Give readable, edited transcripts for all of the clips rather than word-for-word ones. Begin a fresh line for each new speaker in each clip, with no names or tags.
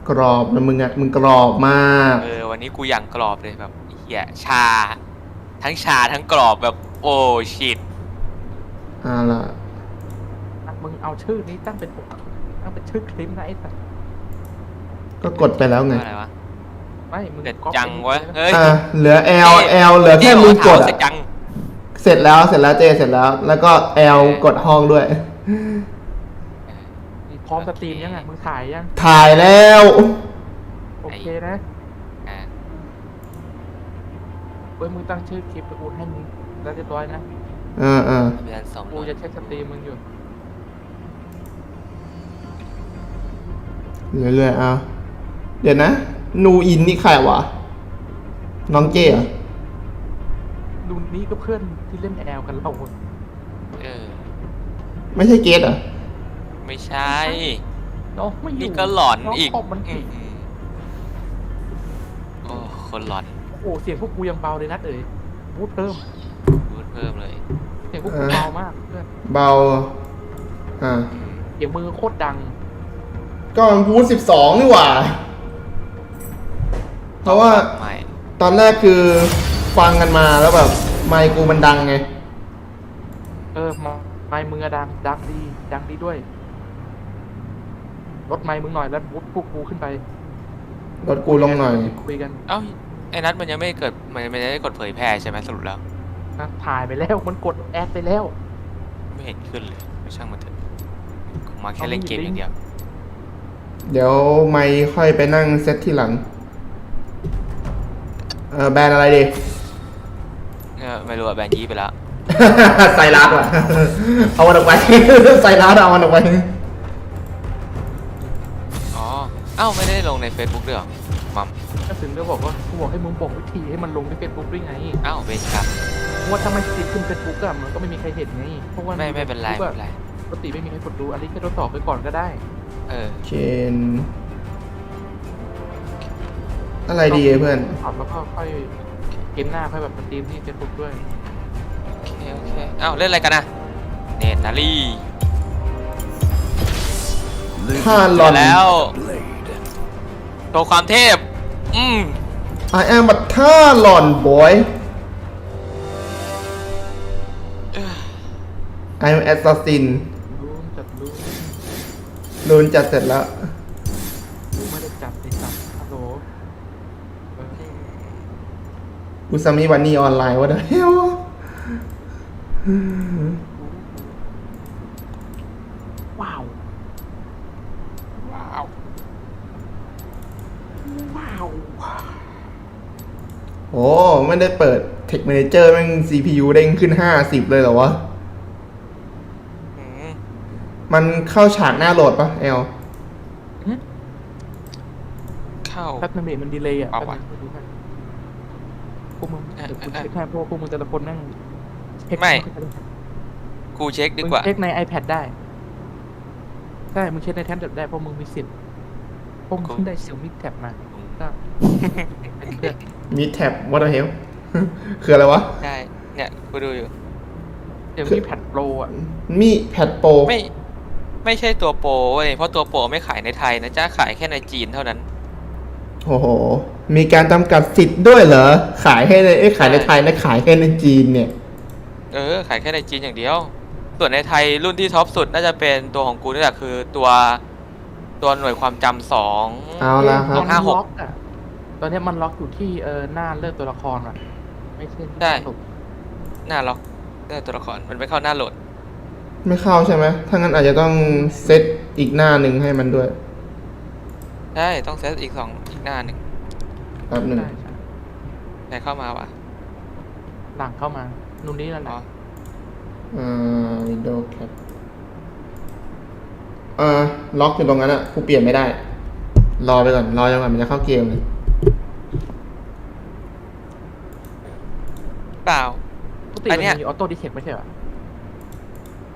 กรอบนะมึงอะมึงกรอบมาก
วันนี้กูอย่างกรอบเลยแบบเหี้ยทั้งชาทั้งกรอบแบบโอ้ชิต
ล่ะ
มึงเอาชื่อนี้ตั้งเป็นชื่อคลิปนะไอ้สัส
ก็กดไปแล้วไง
อะไรวะ
ไม่มึง
เด็ด
ก๊อป
จังวะเฮ้ย
เหลือ L เหลือแค่มึงกดอะ
จัง
เสร็จแล้วเจเสร็จแล้ว แล้วก็ L กดห้องด้วย
พร้อมสตรีมยังไงมึงถ่ายยัง
ถ่ายแล้ว
โอเคนะเว้ยมึงตั้งชื่อคลิปไปกูให้มึงแล้วเรียบร้อยนะกูจะเช็คสตรีมมึงอยู่
เรื่อยๆเดี๋ยวนะนูอินนี่ใครวะน้องเจ้อะ
ดูนี่ก็เพื่อนที่เล่นแอลกันเรา
ไม่ใช่เกตเหรอ
ไม่ใช่
น้องไม่อยู่
นี่ก็หลอนอีก
มัน
โอ้คนหลอน
โอ้เสียงพวกกูยังเบาเลยนะพูดเพิ่ม
เลย
เสียงพวกกูเบามากเพื่อน
เบา
เสียงมือโคตรดัง
ก็มันพูด12นี่หว่าเพราะว่าตอนแรกคือฟังกันมาแล้วแบบไมค์กูมันดังไง
ไมค์มึงอะดังดีด้วยลดไมค์มึงหน่อยแล้วพวกกูขึ้นไป
ลดกูลงหน่อย
คุยกัน
ไอ้นัทมันยังไม่เกิดมันไม่ได้กดเผยแพร่ใช่ไหมสรุปแล้ว
ถ่ายไปแล้วมันกดแอดไปแล้ว
ไม่เห็นขึ้นเลยไม่ช่างมันเถอะมาแค่เล่นเกมอย่างเดียว
เดี๋ยวไม่ค่อยไปนั่งเซตที่หลังแบรนด์อะไรดี
ไม่รู้อะแบรนด์ยี่ไปแล้ว
ใส่ร้านว่ะเอามันออกไปใส่ร้านเอามันออกไป
ไม่ได้ลงใน Facebook ด้วยหรอมัม
ก็ถึงได้บอกว่ากูบอกให้มึงบอกวิธีให้มันลงใน Facebook ด้วยไง
เบนครับ
ว่าถ้าไม่ติดขึ้น Facebook อะมันก็ไม่มีใครเห็นไงเพราะว่า
ไม่เป็นไร
ปกติไม่มีใครกดดูอันนี้แค่ทดสอบไปก่อนก็ได้
เชนอะไรดีเพื่อน
แล้วก็ค่อยเกมหน้าค่อยแบบสตรีมที่ Facebook ด้วย
โอเคเล่นอะไรกันนะเนตนารี
ท่าหลอน
แล้วโชว์ความเทพ
I am a ท่าหลอน boy I'm assassin รูนจัดเสร็จแล้ว
ไม่ได้จัดไอ้สัตว์ฮัลโหล
อุซามิวันนี้ออนไลน์วะเด้อ
ว้าว
โอ้ไม่ได้เปิด Tech Manager แม่ง CPU เด้งขึ้น50เลยเหรอวะมันเข้าฉากหน้าโหลดปะ
เข้า
แป๊บนึงมันดีเลย์พวกมึงคุณเช็คแค่พวกมึงแต่ละคนนั่ง
ไม่กูเช็คดีกว่า
เช็คใน iPad ได้ใช่มึงเช็คในแท็บเล็ตได้เพราะมึงมีสิทธิ์พวกมึงได้ Xiaomi Tab มาก็
มีแท็บ what the hell คืออะไรวะ
ใช่เนี่ยกูดูอยู่
เดี๋ยวมีแพดโปร
มีแพดโปร
ไม่ใช่ตัวโปรเว้ยเพราะตัวโปรไม่ขายในไทยนะจ้าขายแค่ในจีนเท่านั้น
โอ้โหมีการจำกัดสิทธิ์ด้วยเหรอขายให้ในขายในไทยและขายแค่ในจีนเนี่ย
ขายแค่ในจีนอย่างเดียวส่วนในไทยรุ่นที่ท็อปสุดน่าจะเป็นตัวของกูนี่แหละคือตัวหน่วยความจำ2
เอาละครับ
556ตอนนี้มันล็อกอยู่ที่หน้าเลือกตัวละครอ่ะไม่ใช่
ได้หน้าล็อกได้ตัวละครมันไม่เข้าหน้าโหลด
ไม่เข้าใช่ไหมถ้างั้นอาจจะต้องเซตอีกหน้าหนึ่งให้มันด้วย
ใช่ต้องเซตอีกหน้าหนึ่ง
แป๊บหนึ่ง
ใครเข้ามาวะ
หลังเข้ามานู่นนี่นั่นแหละ
Windows Cap ล็อกอยู่ตรงนั้นอ่ะกูเปลี่ยนไม่ได้รอไปก่อนรอจนกว่ามันจะเข้าเกมเลย
เปล่า
ปกติมันมีออโต้ดิเทคไม่ใช่หรอ
ไม่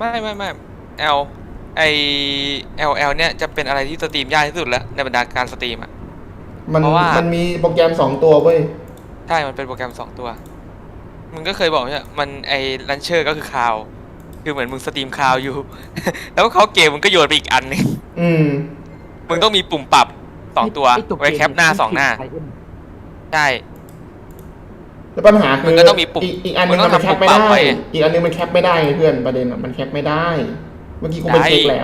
L เนี่ยจะเป็นอะไรที่สตรีมยากที่สุดแล้วในบรรดาการสตรีมอ่ะ
มันมีโปรแกรม2ตัวเว้ย
ใช่มันเป็นโปรแกรม2ตัวมึงก็เคยบอกใช่มันลันเชอร์ก็คือคาวคือเหมือนมึงสตรีมคาวอยู่แล้วเขาเกมมึงก็โยนไปอีกอันนึงมึงต้องมีปุ่มปรับ 2 ตัว
ไอ้ตัว
ไว้แคปหน้า 2 หน้า
ไทเอ็น
ใช่
แล้วปัญหาคือ
มันก็ต้องมีปุ่ม
อีกอันนึง
มันต้อง
มันแคปไม่
ทำปุ่มปรับ
ได้
ไว้
อีกอันนึงมันแคปไม่ได้เพื่อนประเด็นอะมันแคปไม่ได้ เมื่อกี้กูไป
ได้
เช็คแล้ว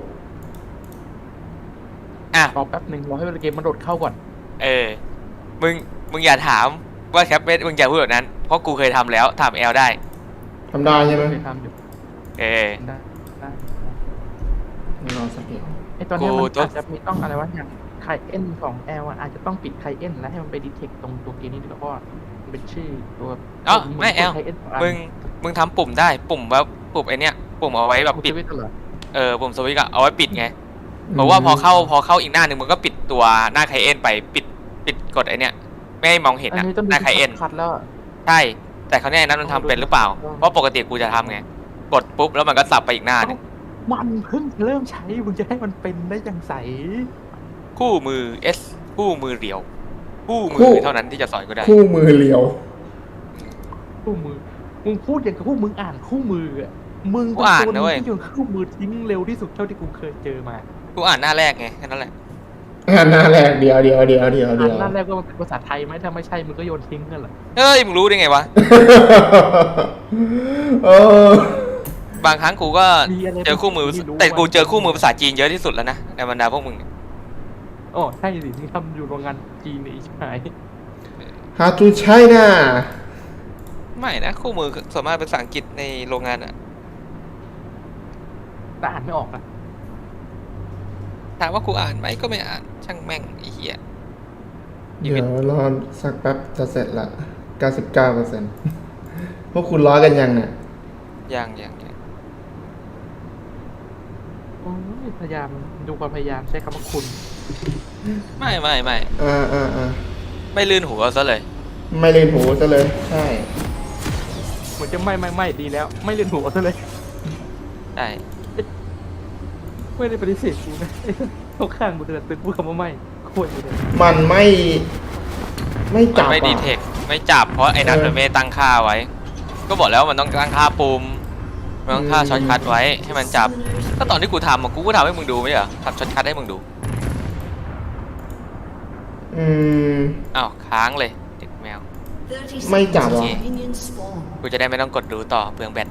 อ่ะ
รอแป๊บหนึ่งรอให้เกมมันโดดเข้าก่อน
เออ มึงอย่าถามว่าแคปไม่มึงอย่าพูดแบบนั้น เพราะกูเคยทำแล้วถามแอลได้
ทำได้ใช่ไหม
เคยทำอยู่
เออ
ได้ได้
รอสักเดียว
ไอตอนเนี้ย
กู
มัน
ตัว
อาจจะมีต้องอะไรวะอย่างไคเอ็นของแอลอาจจะต้องปิดไคเอ็นแล้วให้มันไปดีเทคตรงตัวเกมนี้ด้วยเพราะว่ามันเป็นชื่อตัว
อ๋อไม่แอล
ไคเอ็น
มึงทำปุ่มได้ปุ่มแบบปุ่มไอเนี้ยปุ่มเอาไว้แบบปิด
เหรอ
ปุ่มสวิตช์อะเอาไว้ปิดไงเพราะว่าพอเข้าอีกหน้าหนึ่งมึงก็ปิดตัวหน้าไคเอ็นไปปิดกดไอเนี้ยไม่ให้มองเห็น
อัน
อะ
นี้ต้อง
หน้าไคเอ็น
คัดแล้วอะ
ใช่แต่คราวนี้ไอ้นั้นมันทำเป็นหรือเปล่า เพราะปกติกูจะทำไงกดปุ๊บแล้วมันก็สับไปอีกหน้าหนึง
มันเพิ่งเริ่มใช้มึงจะให้มันเป็นได้ยังใส
คู่มือ S คู่มือเรียวคู่มื
คู่
อเท่านั้นที่จะสอนกูได้
คู่มือเลียว
คู่มือมึงพูดอย่างกับพวกมึงอ่านคู่มืออะมึง
กูอ่านนะเว้ย
ที่โยนคู่มือทิ้งเร็วที่สุดเท่าที่กูเคยเจอมา
กูอ่านหน้าแรกไงแค่นั้นแหละ
หน้าแรกเดียว
อ่านนั่นแรกก็มันเป็นภาษาไทยไหมถ้าไม่ใช่มึงก็โยนทิ้งกันเหรอ
เฮ้ยมึงรู้ได้ไงวะ
เออบ
างครั้งกูก็
มีอะไร
เจอคู่มือ
ที่รู้
แต่กูเจอคู่มือภาษาจีนเยอะที่สุดแล้วนะในบรรดาพวกมึงเนี่ย
อ๋อใช่สิที่ทำอยู่โรงงานจีนในอีกหาย
How to China
ไม่นะคู่มือส่วนมากเป็นภาษาอังกฤษในโรงงานอะ
แต่อ่านไม่ออกนะ
ถามว่ากูอ่านไหมก็ไม่อ่านช่างแม่งไอ้เหี้ย
เดี๋ยวรอสักแป๊บจะเสร็จละ 99% พวกคุณร้อยกันยังเนี่ย
ยัง
โอ้ยพยายามดูความพยายามใช้คำว่าคุณ
ไม่
อ่า
ไม่ลื่นหัวซะเลย
ไม่เล่นหูซะเลย ใช่
เหมือนจะไม่ดีแล้ว ไม่เรียนหัวซะเลย
ใช่
ไม่ได้ปฏิเสธกูนะเขาข้างกูแต่ตึกพูดคำว่าไม่โคตรเลย
มันไม่ ไม่
มัน
จับ
ไม่ดี
อ่ะ
เทคไม่จับเพราะไอ้นัทมันไม่ตั้งค่าไว้ ก็บอกแล้วมันต้องตั้งค่าปุ่มมันต้องค่าช็อตคัทไว้ให้มันจับก็ตอนที่กูทำอะกูก็ทำให้มึงดูไม่ใช่เหรอทำช็อตคัทให้มึงดู
อืม
อ้าวค้างเลยเด็กแมว
ไม่จับหรอ
กูจะได้ไม่ต้องกดดูต่อเปลืองแบต